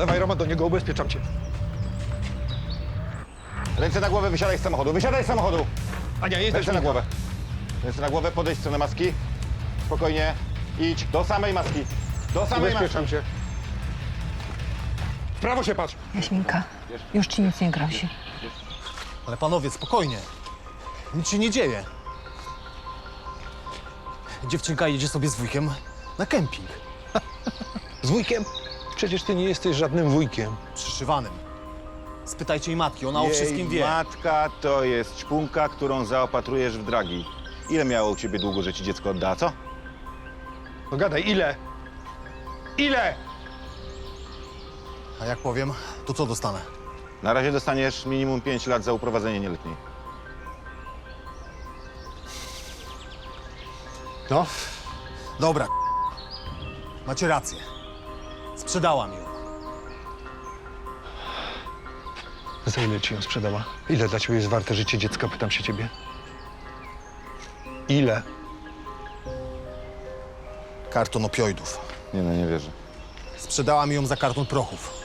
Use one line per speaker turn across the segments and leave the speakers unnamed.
Dawaj, Roman, do niego, ubezpieczam cię.
Ręce na głowę, wysiadaj z samochodu, wysiadaj z samochodu!
Ania, jesteś
Ręce na głowę. Ręce na głowę, podejdź w stronę maski. Spokojnie. Idź do samej maski. Do samej maski.
Ubezpieczam cię. W prawo się patrz.
Jaśminka, już ci nic nie grozi.
Ale panowie, spokojnie. Nic się nie dzieje. Dziewczynka jedzie sobie z wujkiem na kemping.
Z wujkiem? Przecież ty nie jesteś żadnym wujkiem.
Przyszywanym. Spytajcie jej matki, ona o wszystkim wie.
Matka to jest ćpunka, którą zaopatrujesz w dragi. Ile miało u ciebie długo, że ci dziecko odda, co?
No gadaj, ile? Ile?
A jak powiem, to co dostanę?
Na razie dostaniesz minimum 5 lat za uprowadzenie nieletniej.
No,
Dobra. Macie rację. Sprzedałam ją.
za ile ci ją sprzedała? Ile dla ciebie jest warte życie dziecka, pytam się ciebie. Ile?
Karton opioidów.
Nie no, nie wierzę.
Sprzedałam ją za karton prochów.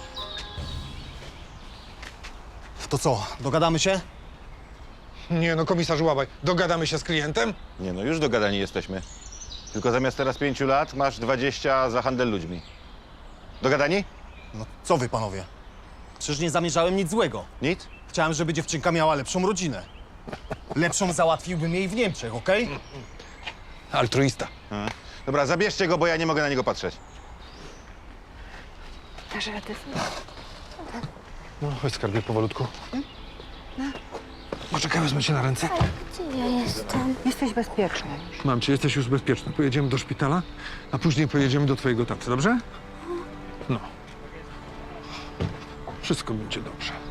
To co, dogadamy się?
Nie no, komisarz Łabaj, dogadamy się z klientem?
Nie no, już dogadani jesteśmy. Tylko zamiast teraz 5 lat masz 20 za handel ludźmi. Dogadani?
No co wy, panowie? Przecież nie zamierzałem nic złego.
Nic?
Chciałem, żeby dziewczynka miała lepszą rodzinę. Lepszą załatwiłbym jej w Niemczech, okej?
Altruista.
Dobra, zabierzcie go, bo ja nie mogę na niego patrzeć.
Dasz radę?
No, chodź skarbie powolutku. Poczekaj, wezmę cię na ręce.
Gdzie ja jestem?
Jesteś bezpieczny.
Mam cię, jesteś już bezpieczny. Pojedziemy do szpitala, a później pojedziemy do twojego taty, dobrze? No. Wszystko będzie dobrze.